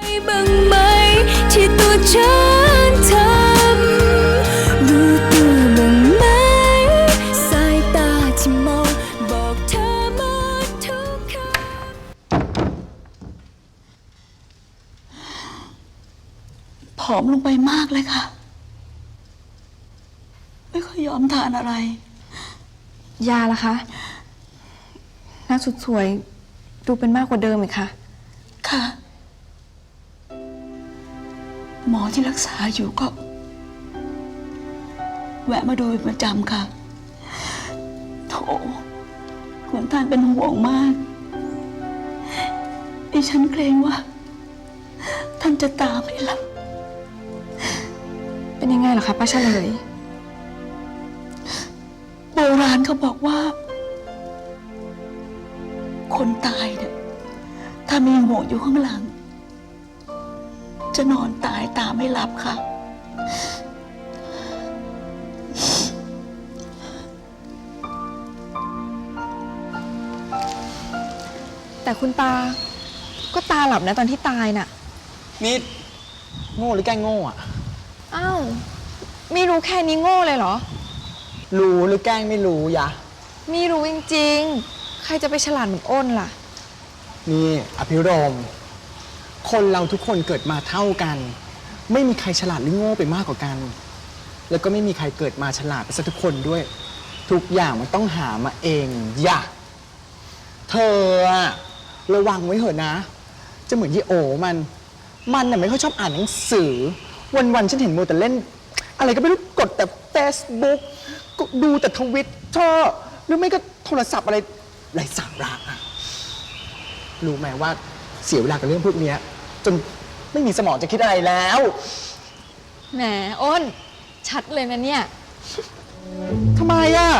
บ้างไหมที่ตัวฉันทำรู้ตัวบ้างไหมสายตาที่มองบอกเธอหมดทุกคำผอมลงไปมากเลยค่ะไม่ค่อยยอมทานอะไรยาล่ะคะหน้าสุดสวยดูเป็นมากกว่าเดิมอีกค่ะค่ะหมอที่รักษาอยู่ก็แวะมาดูเป็นประจำค่ะโถเหมือนท่านเป็นห่วงมากดิฉันเกรงว่าท่านจะตาไม่หลับเป็นยังไงเหรอคะป้าเฉลยโบราณเขาบอกว่าคนตายเนี่ยถ้ามีห่วงอยู่ข้างหลังจะนอนตายตาไม่หลับค่ะแต่คุณตาก็ตาหลับนะตอนที่ตายน่ะนี่โง่หรือแกล้งโง่อะอ้าวไม่รู้แค่นี้โง่เลยเหรอรู้หรือแกล้งไม่รู้ยะไม่รู้จริงๆใครจะไปฉลาดเหมือนอ้นล่ะนี่อภิรมย์คนเราทุกคนเกิดมาเท่ากันไม่มีใครฉลาดหรือโง่ไปมากกว่ากันแล้วก็ไม่มีใครเกิดมาฉลาดไปซะทุกคนด้วยทุกอย่างมันต้องหามาเองอย่าเธอระวังไว้เถอะนะจะเหมือนยี่โอมันน่ะไม่ค่อยชอบอ่านหนังสือวันๆฉันเห็นโมแต่เล่นอะไรก็ไม่รู้กดแต่ Facebook ก็ดูแต่ทวิตเตอร์หรือไม่ก็โทรศัพท์อะไรไร้สาระอะรู้ไหมว่าเสียเวลากับเรื่องพวกนี้จนไม่มีสมองจะคิดอะไรแล้วแหมอ้นชัดเลยนะเนี่ยทำไมอะ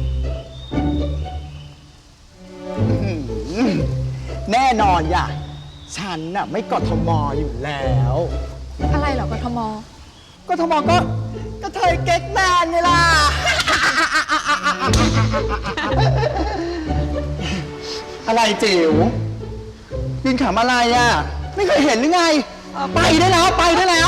แน่นอนอย่าฉันน่ะไม่กทมอยู่แล้วอะไรเหรอกทมกทมก็เธอเก๊กแมนไงล่ะอะไรจิ๋วยืนขำอะไรอ่ะไม่เคยเห็นหรือไงไปได้แล้วไปได้แล้ว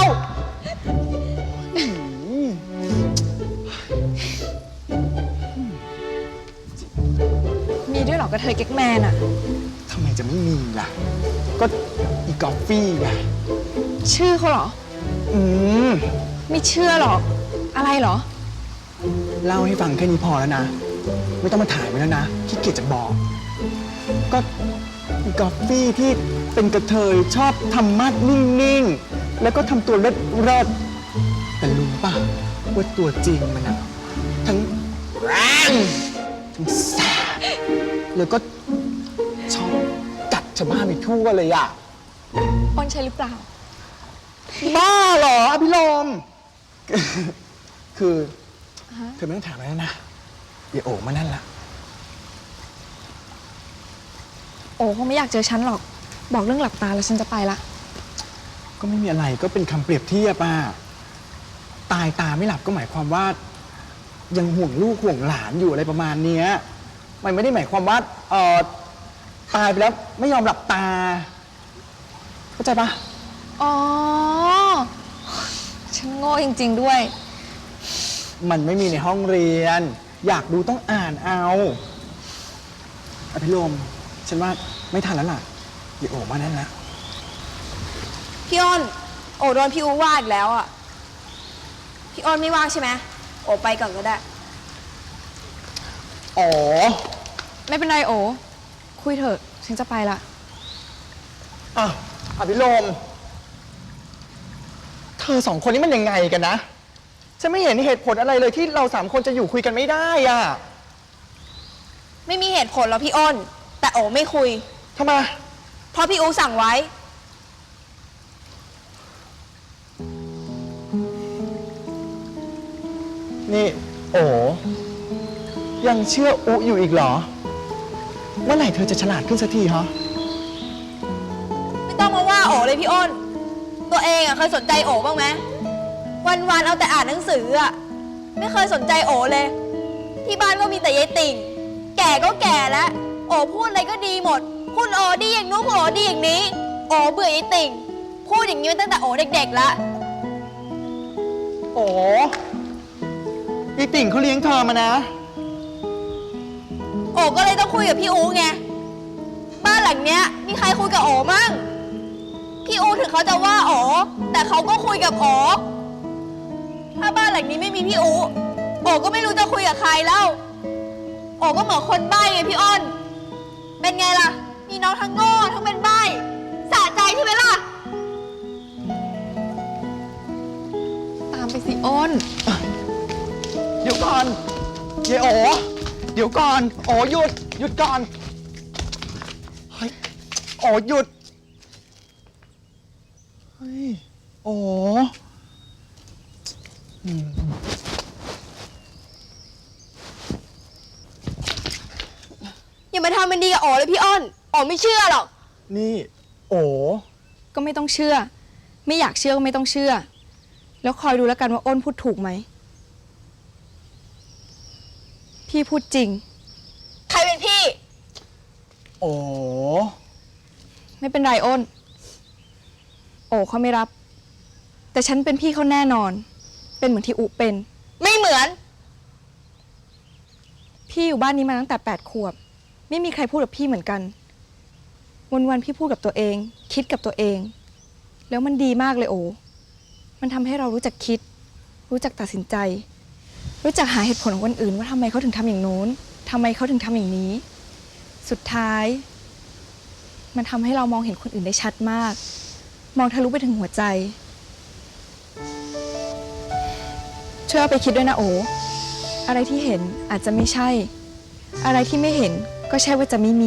มีด้วยเหรอกระเทยเก๊กแมนอะทำไมจะไม่มีล่ะก็อีกอฟฟี่ไงชื่อเขาเหรอไม่เชื่อหรอกอะไรเหรอเล่าให้ฟังแค่นี้พอแล้วนะไม่ต้องมาถ่ายไว้แล้วนะขี้เกียจจะบอกก็อีกอฟฟี่ที่เป็นกระเทยชอบทำมัดนิ่งๆแล้วก็ทำตัวเลิศแต่รู้ป่ะว่าตัวจริงมันอะทั้งแรงทั้งแสบแล้วก็ชอบกัดชาวบ้านไปทั่วเลยอะอ้นใช่หรือเปล่าบ้าเหรออภิรมย์คือเธอไม่ต้องถามแล้วนะอย่าโอบมานั่นละโอ้คงไม่อยากเจอฉันหรอกบอกเรื่องหลับตาแล้วฉันจะไปละก็ไม่มีอะไรก็เป็นคำเปรียบเทียบตายตาไม่หลับก็หมายความว่ายังห่วงลูกห่วงหลานอยู่อะไรประมาณนี้มันไม่ได้หมายความว่าตายไปแล้วไม่ยอมหลับตาเข้าใจปะอ๋อฉันโง่จริงๆด้วยมันไม่มีในห้องเรียนอยากดูต้องอ่านเอาอภิรมย์ฉันว่าไม่ทันแล้วล่ะอย่าโอบมานั่นละพี่อ้นโอ้โดนพี่อูว่าอีกแล้วอ่ะพี่อ้นไม่ว่างใช่ไหมโอ้ไปก่อนก็ได้อ๋อไม่เป็นไรโอ้คุยเถอะฉันจะไปละอภิรมย์เธอสองคนนี้มันยังไงกันนะฉันไม่เห็นเหตุผลอะไรเลยที่เรา3คนจะอยู่คุยกันไม่ได้อ่ะไม่มีเหตุผลหรอกพี่อ้นแต่โอ้ไม่คุยทำไมเพราะพี่อูสั่งไว้นี่โอ้ยังเชื่ออุอยู่อีกเหรอเมื่อไหร่เธอจะฉลาดขึ้นสักทีฮะไม่ต้องมาว่าโอ้เลยพี่อ้นตัวเองอ่ะเคยสนใจโอ้บ้างไหมวันๆเอาแต่อ่านหนังสืออ่ะไม่เคยสนใจโอ้เลยที่บ้านก็มีแต่ยายติ่งแก่ก็แก่แล้วโอ้พูดอะไรก็ดีหมดคุณโอ้ดีอย่างนู้นคุณโอ้ดีอย่างนี้โอ้เบื่อยายติ่งพูดอย่างนี้มาตั้งแต่โอเด็กๆแล้วโอ้ยายติ่งเขาเลี้ยงเธอมานะโอก็เลยต้องคุยกับพี่อูไง บ้านหลังเนี้ยมีใครคุยกับโอมั่ง พี่อูถึงเขาจะว่าโอแต่เขาก็คุยกับโอถ้าบ้านหลังนี้ไม่มีพี่อูโอก็ไม่รู้จะคุยกับใครแล้ว โอก็เหมือนคนใบ้ไงพี่อ้น เป็นไงล่ะ มีน้องทั้งโง่ทั้งเป็นใบ้สะใจใช่ไหมล่ะตามไปสิอ้นเดี๋ยวก่อนยายโอเดี๋ยวก่อนโอหยุด หยุดก่อน เฮ้ย โอหยุด เฮ้ย โออย่ามาทำเป็นดีกับโอเลยพี่อ้นโอไม่เชื่อหรอกนี่ โอก็ไม่ต้องเชื่อ ไม่อยากเชื่อก็ไม่ต้องเชื่อ แล้วคอยดูแล้วกันว่าอ้นพูดถูกไหม พี่พูดจริงใครเป็นพี่โอไม่เป็นไรอ้น โอ้เขาไม่รับ แต่ฉันเป็นพี่เขาแน่นอน เป็นเหมือนที่อุเป็นไม่เหมือนพี่อยู่บ้านนี้มาตั้งแต่8 ขวบ ไม่มีใครพูดกับพี่เหมือนกัน วันๆพี่พูดกับตัวเอง คิดกับตัวเอง แล้วมันดีมากเลยโอ มันทำให้เรารู้จักคิด รู้จักตัดสินใจ รู้จักหาเหตุผลของคนอื่นว่าทำไมเขาถึงทำอย่างโน้นทำไมเขาถึงทำอย่างนี้ สุดท้าย มันทำให้เรามองเห็นคนอื่นได้ชัดมาก มองทะลุไปถึงหัวใจ ช่วยเอาไปคิดด้วยนะโอ อะไรที่เห็นอาจจะไม่ใช่ อะไรที่ไม่เห็นก็ใช่ว่าจะไม่มี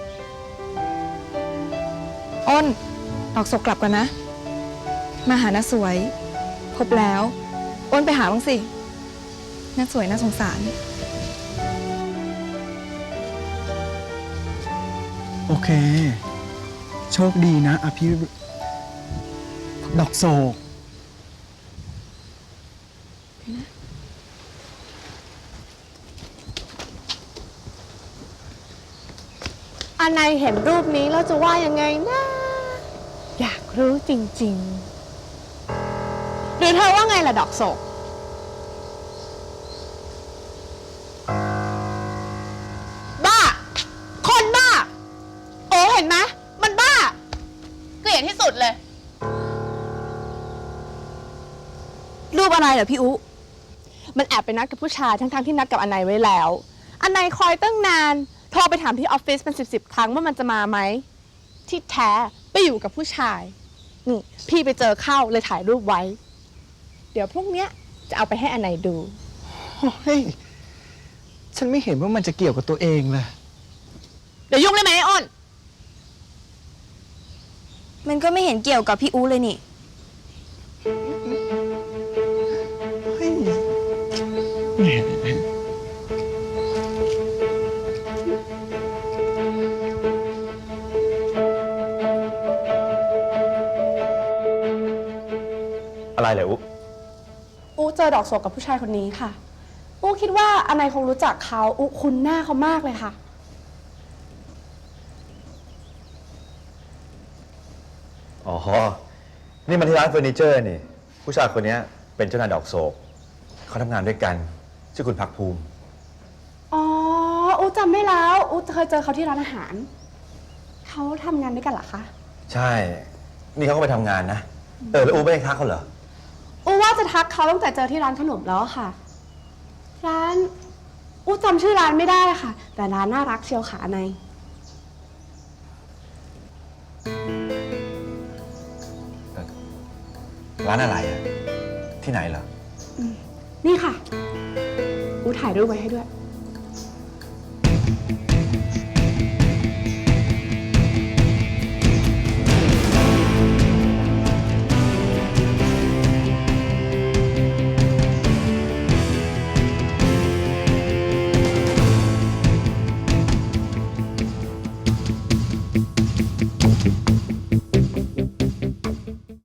อ้น ออกศกกลับกันนะ มาหาน้าสวย พบแล้ว อ้นไปหาบ้างสิน้าสวยน่าสงสารโอเค โชคดีนะอภิดอกโศกอันไหนเห็นรูปนี้แล้วจะว่ายังไงนะ อยากรู้จริงๆ หรือเธอว่าไงล่ะดอกโศก บ้า คนบ้า โอ้เห็นไหมมันบ้าเกลียดที่สุดเลยรูปอะไรเหรอพี่อุ มันแอบไปนัดกับผู้ชายทั้งๆที่นัดกับอันไหนไว้แล้ว อันไหนคอยตั้งนาน โทรไปถามที่ออฟฟิศเป็น10 ครั้งว่ามันจะมาไหม ที่แท้ไปอยู่กับผู้ชาย นี่พี่ไปเจอเข้าเลยถ่ายรูปไว้ เดี๋ยวพรุ่งเนี้ยจะเอาไปให้อันไหนดูเฮ้ย ฉันไม่เห็นว่ามันจะเกี่ยวกับตัวเองเลยเดี๋ยวยุ่งได้ไหมไอ้อ้นมันก็ไม่เห็นเกี่ยวกับพี่อูเลยนี่เฮ้ยอะไรเหรออุ๊อูเจอดอกโศกกับผู้ชายคนนี้ค่ะ อูคิดว่าอันไหนคงรู้จักเขาอูคุ้นหน้าเขามากเลยค่ะอ๋อ นี่มันที่ร้านเฟอร์นิเจอร์นี่ ผู้ชายคนนี้เป็นเจ้านายดอกโศก เขาทำงานด้วยกัน ชื่อคุณพักภูมิอ๋อ อูจำได้แล้ว อูเคยเจอเขาที่ร้านอาหาร เขาทำงานด้วยกันเหรอคะใช่ นี่เขาก็ไปทำงานนะ แล้วอุ๊ไม่ได้ทักเขาเหรออูว่าจะทักเขาตั้งแต่เจอที่ร้านขนมแล้วค่ะ ร้าน อูจำชื่อร้านไม่ได้ค่ะ แต่ร้านน่ารักเชียวค่ะในร้านอะไรอะที่ไหนเหรอนี่ค่ะ อูถ่ายรูปไว้ให้ด้วย